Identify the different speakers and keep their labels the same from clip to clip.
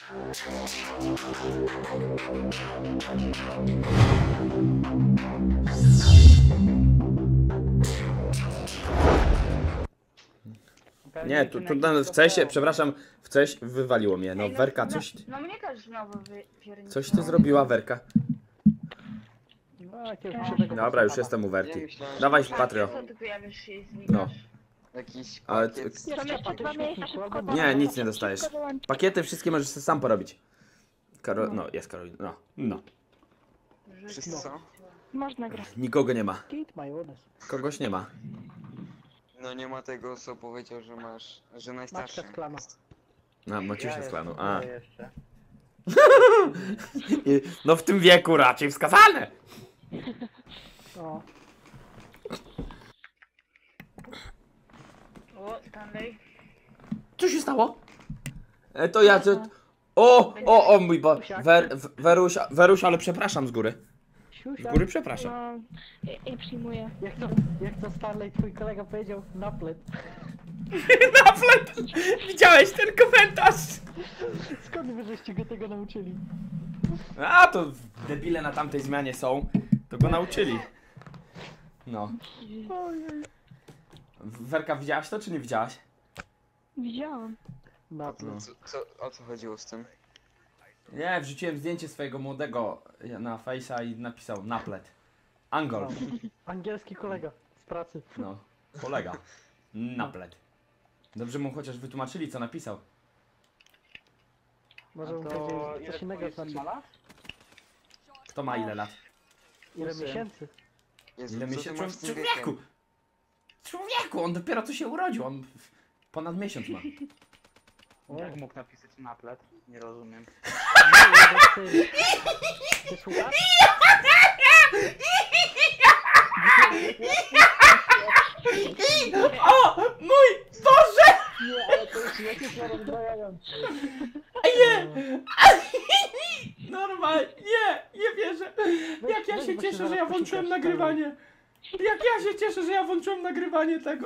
Speaker 1: Nie, tu w cesie, przepraszam, w coś wywaliło mnie. No, Werka, coś...
Speaker 2: No mnie też znowu wypierniczyło.
Speaker 1: Coś ty zrobiła, Werka.
Speaker 3: No, jakiegoś krzywego
Speaker 1: Dobra, już
Speaker 3: pana.
Speaker 1: jestem u Werki.
Speaker 4: Ja myślałem, że
Speaker 1: Dawaj,
Speaker 4: to
Speaker 1: Patrio.
Speaker 2: Co ty pojawisz się i znikasz?
Speaker 1: No.
Speaker 4: Jakiś
Speaker 1: Ale
Speaker 4: pakiet.
Speaker 3: Nie,
Speaker 5: Są jeszcze dwa miejsca, szybko
Speaker 1: Nie, nic nie dostajesz.
Speaker 5: Szybko dołącz.
Speaker 1: Pakiety wszystkie możesz sobie sam porobić. No, jest Karolina. No.
Speaker 4: Wszyscy są?
Speaker 5: Można grać.
Speaker 1: Nikogo nie ma.
Speaker 3: Kit majonez.
Speaker 1: Kogoś nie ma.
Speaker 4: No nie ma tego, co powiedział, że masz, że najstarszy.
Speaker 3: Maczka z klanu.
Speaker 1: A, Maciusia z klanu. A.
Speaker 6: Ja jeszcze.
Speaker 1: No w tym wieku raczej wskazane.
Speaker 3: O,
Speaker 2: O, Stanley.
Speaker 1: Co się stało? To ja... O mój Boże. Weruś, ale przepraszam z góry. Z
Speaker 3: siusia.
Speaker 1: góry przepraszam.
Speaker 5: No, ja przyjmuję.
Speaker 3: Jak to Starley, twój kolega powiedział, naplet.
Speaker 1: Naplet! Widziałeś ten komentarz?
Speaker 3: Skąd wy żeście go tego nauczyli?
Speaker 1: A, to debile na tamtej zmianie są. To go nauczyli. No. Werka, widziałaś to, czy nie widziałaś?
Speaker 5: Widziałam.
Speaker 3: Naplet.
Speaker 4: O co chodziło z tym?
Speaker 1: Nie, wrzuciłem zdjęcie swojego młodego na Face'a i napisał naplet. Angol.
Speaker 3: Angielski kolega z pracy.
Speaker 1: No, kolega. Naplet. Dobrze mu chociaż wytłumaczyli, co napisał.
Speaker 3: Może mu
Speaker 6: To
Speaker 3: powiedzieć
Speaker 6: ile
Speaker 3: coś innego
Speaker 6: twoich
Speaker 3: znaczy.
Speaker 6: ma lat?
Speaker 1: Kto ma ile lat?
Speaker 3: Ile
Speaker 6: Syn.
Speaker 3: miesięcy?
Speaker 4: Jezu,
Speaker 1: Ile
Speaker 4: co ty
Speaker 1: miesięcy?
Speaker 4: masz z tym
Speaker 1: Człowieku!
Speaker 4: wiekiem?
Speaker 1: Człowieku, on dopiero co się urodził. On ponad miesiąc ma.
Speaker 6: Jak mógł napisać naplet? Nie rozumiem.
Speaker 3: Ty słuchasz?
Speaker 1: O! Mój Boże!
Speaker 3: Nie, ale to już jakieś rozbrajające.
Speaker 1: Nie! Normalnie, nie wierzę. Jak ja się cieszę, że ja włączyłem nagrywanie. Jak ja się cieszę, że ja włączyłem nagrywanie tego.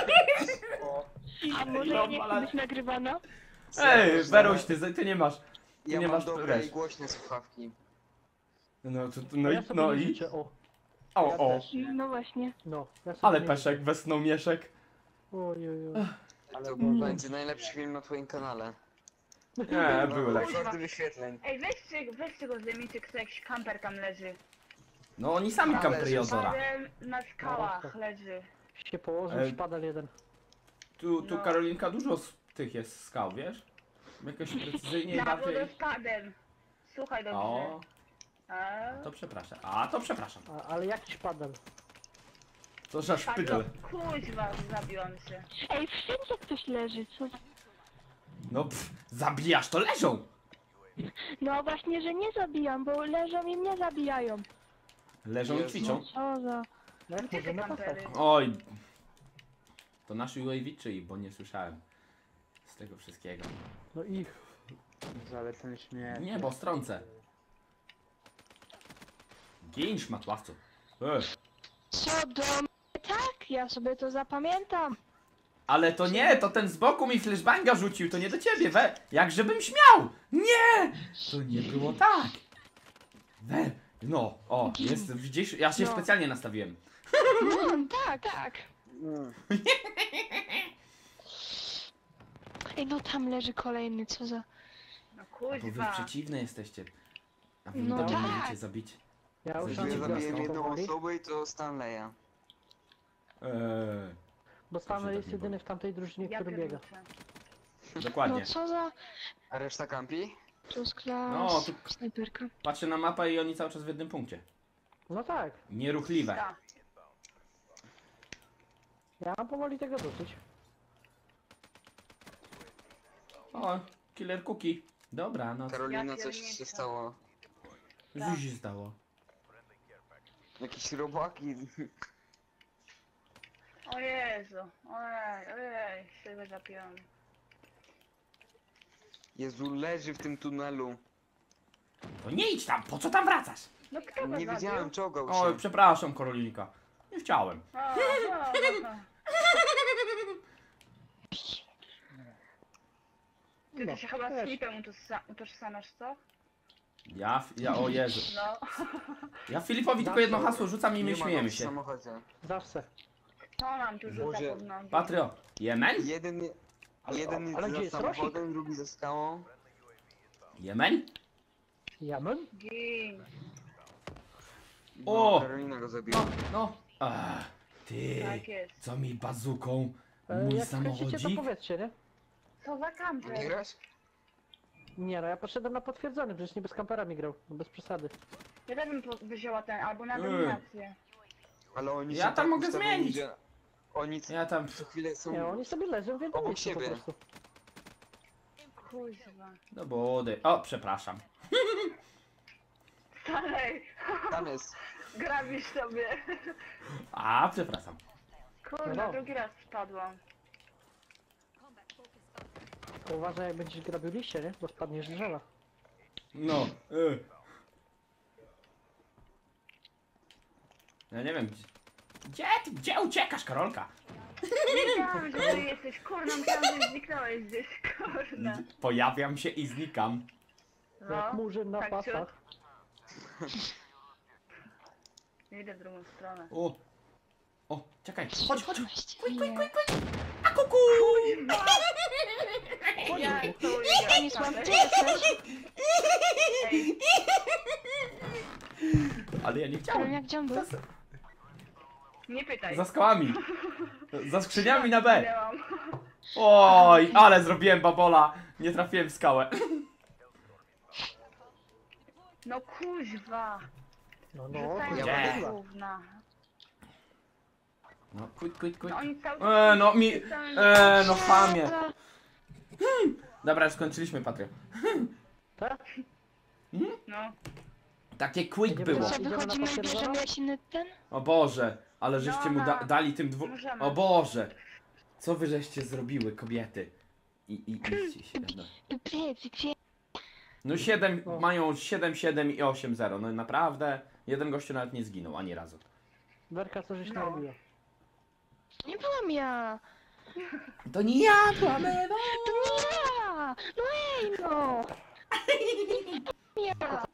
Speaker 5: A może ja nie chcę być nagrywana?
Speaker 1: Ej, Weruś, ty nie masz.
Speaker 4: Ja
Speaker 1: nie
Speaker 4: mam
Speaker 1: masz
Speaker 4: dobre
Speaker 1: wiesz.
Speaker 4: i głośne słuchawki.
Speaker 3: Ja sobie nie życzę, o.
Speaker 1: O.
Speaker 5: No właśnie.
Speaker 3: No, ja sobie
Speaker 1: Ale
Speaker 3: nie
Speaker 1: Peszek wesnął mieszek.
Speaker 3: Oj.
Speaker 4: To będzie najlepszy film na twoim kanale.
Speaker 1: Nie, były lepsze.
Speaker 4: Rekordy wyświetleń.
Speaker 2: Ej, weźcie go zdejmijcie, kto jakiś kamper tam leży.
Speaker 1: No oni sami
Speaker 4: Ale
Speaker 1: kampery od zora.
Speaker 2: Padem na skałach leży.
Speaker 3: się położył,
Speaker 1: Ej.
Speaker 3: szpadel jeden.
Speaker 1: Tu
Speaker 2: No.
Speaker 1: Karolinka dużo z tych jest skał, wiesz? Jakoś precyzyjnie
Speaker 2: Na
Speaker 1: bardziej.
Speaker 2: wodospadem. Słuchaj dobrze.
Speaker 1: O,
Speaker 2: A?
Speaker 1: to przepraszam. A, to przepraszam.
Speaker 3: Ale jaki szpadel?
Speaker 1: To za szpydel.
Speaker 2: Kuźwa, zabiłam się.
Speaker 5: Ej, wszędzie ktoś leży, co za...
Speaker 1: No zabijasz, to leżą.
Speaker 5: No właśnie, że nie zabijam, bo leżą i mnie zabijają.
Speaker 1: Leżą i
Speaker 4: Jezu.
Speaker 1: ćwiczą.
Speaker 5: Co za...
Speaker 3: Jak
Speaker 2: Gdzie
Speaker 3: może
Speaker 2: te
Speaker 3: na pasach?
Speaker 2: kampery?
Speaker 1: Oj. To nasz UAV czyj, bo nie słyszałem z tego wszystkiego.
Speaker 3: No ich.
Speaker 6: Ale ten śmiech.
Speaker 1: Nie, bo strącę. Gin szmatławcu.
Speaker 5: Co do mnie? Tak, ja sobie to zapamiętam.
Speaker 1: Ale to nie, to ten z boku mi flashbanga rzucił, to nie do ciebie, jak żebym śmiał! Nie! To nie było tak! No, o, jest, widzisz, ja się
Speaker 5: No.
Speaker 1: specjalnie nastawiłem.
Speaker 5: Tak. Ej, no tam leży kolejny, co za...
Speaker 2: No
Speaker 1: Bo wy
Speaker 2: kuźwa.
Speaker 1: przeciwne jesteście. A wy
Speaker 5: No
Speaker 1: no
Speaker 5: tak.
Speaker 1: możecie zabić.
Speaker 3: Ja już
Speaker 1: Zabiję
Speaker 4: Ja
Speaker 3: mam
Speaker 4: zabiłem
Speaker 1: Jasno.
Speaker 4: jedną osobę i to Stanleya.
Speaker 3: Bo Stanley
Speaker 1: tak
Speaker 3: jest
Speaker 1: nie
Speaker 3: jedyny w tamtej drużynie,
Speaker 2: Ja
Speaker 3: który biega.
Speaker 2: pierniczę.
Speaker 1: Dokładnie.
Speaker 5: No co za...
Speaker 4: A reszta kampi?
Speaker 5: To z klas...
Speaker 1: No, tu-
Speaker 5: Snajperka.
Speaker 1: Patrzę na mapę i oni cały czas w jednym punkcie.
Speaker 3: No tak.
Speaker 1: Nieruchliwe.
Speaker 2: Tak.
Speaker 3: Ja mam powoli tego dosyć.
Speaker 1: O, killer cookie. Dobra, no
Speaker 4: Karolina,
Speaker 2: Ja
Speaker 4: coś
Speaker 2: pierniczę.
Speaker 4: się stało.
Speaker 1: co się stało?
Speaker 4: Jakieś robaki.
Speaker 2: O Jezu. Ojej, się zapiłam.
Speaker 4: Jezu, leży w tym tunelu.
Speaker 1: To nie idź tam, po co tam wracasz?
Speaker 2: No kto go
Speaker 4: Nie
Speaker 2: zabił?
Speaker 4: widziałem, czołgał
Speaker 1: O,
Speaker 4: się.
Speaker 1: przepraszam, Karolinka. Nie chciałem.
Speaker 2: O. Ty
Speaker 3: No,
Speaker 2: się chyba z
Speaker 3: wiesz.
Speaker 2: Filipem utożsamiasz, co?
Speaker 1: O Jezu.
Speaker 2: No.
Speaker 1: Ja Filipowi tylko jedno hasło rzucam i my
Speaker 4: Nie ma go
Speaker 1: śmiejemy
Speaker 4: w
Speaker 1: się.
Speaker 4: samochodzie.
Speaker 3: Zawsze.
Speaker 2: To nam tu rzuca
Speaker 4: Boże.
Speaker 2: pod nogi.
Speaker 1: Patrio, Jemen?
Speaker 4: Jeden jest
Speaker 3: ale gdzie
Speaker 4: za
Speaker 3: jest
Speaker 4: samochodem, drugi za skałą.
Speaker 1: Jemen?
Speaker 3: Jamen?
Speaker 2: Gin.
Speaker 1: O!
Speaker 4: No, Karolina go zabiła.
Speaker 1: No. Ty,
Speaker 2: Tak jest.
Speaker 1: co mi bazuką? Mój
Speaker 3: Jak skręcicie, to
Speaker 1: samochodzik?
Speaker 3: powiedzcie, nie?
Speaker 2: Co za
Speaker 4: Nie
Speaker 2: kamper?
Speaker 4: grasz?
Speaker 3: Nie no, ja poszedłem na potwierdzony, przecież nie bez kamperami grał, no bez przesady.
Speaker 2: Ja też bym wzięła ten, albo na dominację.
Speaker 4: Ale oni
Speaker 1: Ja
Speaker 4: się
Speaker 1: tam
Speaker 4: tak
Speaker 1: mogę
Speaker 4: ustawili,
Speaker 1: zmienić.
Speaker 4: że Oni
Speaker 1: Ja tam...
Speaker 4: co chwilę są...
Speaker 3: Nie, oni sobie leżą w jednym
Speaker 4: Obok
Speaker 3: miejscu po
Speaker 4: siebie.
Speaker 3: prostu.
Speaker 2: Kuźwa.
Speaker 1: Do wody. O, przepraszam.
Speaker 2: Dalej.
Speaker 4: Tam jest.
Speaker 2: Grabisz sobie.
Speaker 1: Przepraszam.
Speaker 2: Kurde,
Speaker 3: No.
Speaker 2: drugi raz spadłam.
Speaker 3: To uważaj, jak będziesz grabił liście, nie? Bo spadniesz z drzewa.
Speaker 1: No. Ja nie wiem, gdzie uciekasz, Karolka?
Speaker 2: Wiedziałam, że ty jesteś, kurna, myślałam, że zniknąłeś gdzieś, kurna.
Speaker 1: Pojawiam się i znikam.
Speaker 3: Jak
Speaker 2: No,
Speaker 3: murzyn na
Speaker 2: tak
Speaker 3: pasach.
Speaker 2: idę w drugą stronę.
Speaker 1: O, czekaj, chodź.
Speaker 5: Nie.
Speaker 1: A kuku!
Speaker 2: Ja to
Speaker 5: Stanisław, ty jesteś?
Speaker 2: Ej,
Speaker 1: Ale ja nie
Speaker 5: Ale
Speaker 1: chciałem.
Speaker 5: jak gdzie on był?
Speaker 2: nie pytaj.
Speaker 1: Za skałami. Za skrzyniami na B.
Speaker 2: Miałam.
Speaker 1: Oj, ale zrobiłem babola. Nie trafiłem w skałę.
Speaker 2: No kuźwa.
Speaker 3: No, no,
Speaker 2: Rzucają
Speaker 3: to
Speaker 1: Gdzie?
Speaker 3: ja
Speaker 2: do gówna.
Speaker 1: No, quit.
Speaker 2: No oni cały
Speaker 1: No chamie. Dobra, już skończyliśmy, Patrio.
Speaker 3: Tak?
Speaker 2: No.
Speaker 1: Takie quick
Speaker 3: Nie
Speaker 1: było.
Speaker 3: było.
Speaker 5: Co,
Speaker 3: Idziemy na
Speaker 5: wychodzimy i
Speaker 3: potwierdzone?
Speaker 5: bierzemy jaśny ten?
Speaker 1: O Boże, ale żeście mu dali tym dwóm...
Speaker 2: Możemy.
Speaker 1: O Boże. Co wy żeście zrobiły, kobiety? Idźcie się. No. No 7,
Speaker 3: No.
Speaker 1: mają 7, 7 i 8, 0. No naprawdę, jeden gościu nawet nie zginął, ani razu.
Speaker 3: Werka, co żeś
Speaker 2: No.
Speaker 3: narobiła?
Speaker 5: Nie byłam ja!
Speaker 1: To nie ja, byłam Ewa.
Speaker 5: To nie ja! No ej no! Ja!